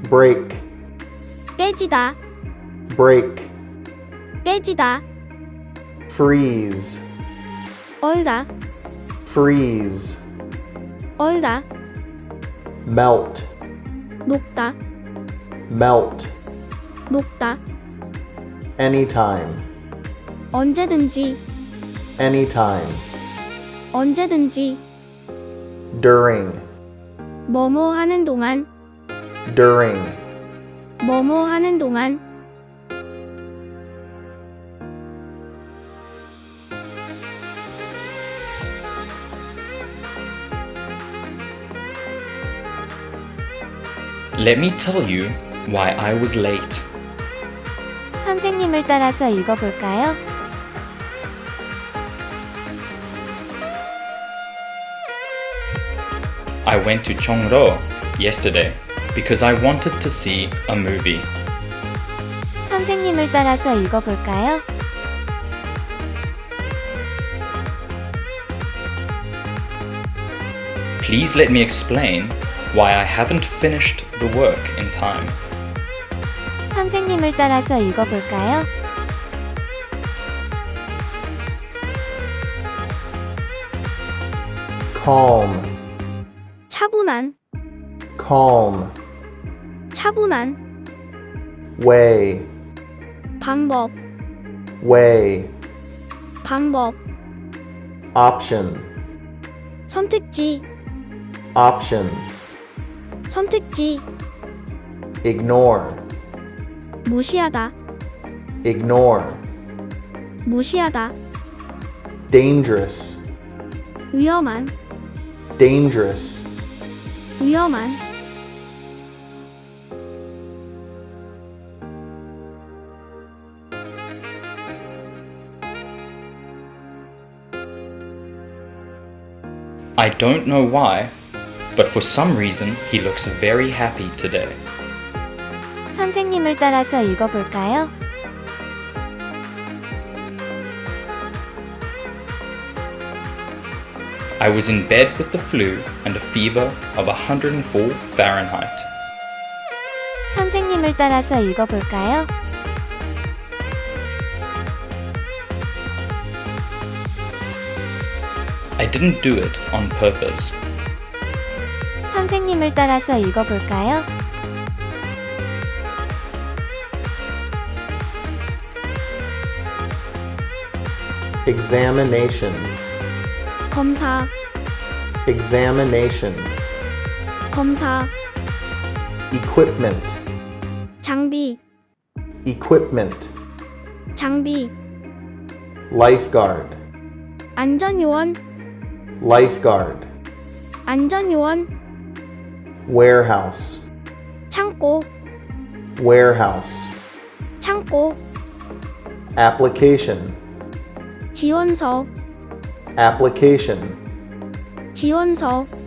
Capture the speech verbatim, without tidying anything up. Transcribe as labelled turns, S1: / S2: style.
S1: break,
S2: 깨지다,
S1: break,
S2: 깨지다,
S1: freeze,
S2: 얼다,
S1: freeze,
S2: 얼다,
S1: melt,
S2: 녹다,
S1: melt,
S2: 녹다,
S1: anytime,
S2: 언제든지,
S1: anytime,
S2: 언제든지,
S1: during,
S2: 뭐뭐 하는 동안,
S1: during,
S2: 뭐뭐 하는 동안,
S3: Let me tell you why I was late.
S4: 선생님을 따라서 읽어볼까요?
S3: I went to Chongro yesterday because I wanted to see a movie.
S4: 선생님을 따라서 읽어볼까요?
S3: Please let me explain why I haven't finished the work in time.
S4: 선생님을 따라서 읽어볼까요?
S1: calm,
S2: 차분한,
S1: calm,
S2: 차분한,
S1: way,
S2: 방법,
S1: way,
S2: 방법,
S1: option,
S2: 선택지,
S1: option,
S2: 선택지,
S1: ignore,
S2: 무시하다,
S1: ignore,
S2: 무시하다,
S1: dangerous,
S2: 위험한,
S1: dangerous,
S2: 위험한,
S3: I don't know why, but for some reason he looks very happy today.
S4: 선생님을 따라서 읽어볼까요?
S3: I was in bed with the flu and a fever of one hundred four Fahrenheit.
S4: 선생님을 따라서 읽어볼까요?
S3: I didn't do it on purpose.
S4: 선생님을 따라서 읽어볼까요?
S1: examination,
S2: 검사,
S1: examination,
S2: 검사,
S1: equipment,
S2: 장비,
S1: equipment,
S2: 장비,
S1: lifeguard,
S2: 안전요원,
S1: lifeguard,
S2: 안전요원,
S1: warehouse,
S2: 창고,
S1: warehouse,
S2: 창고,
S1: application,
S2: 지원서,
S1: application,
S2: 지원서,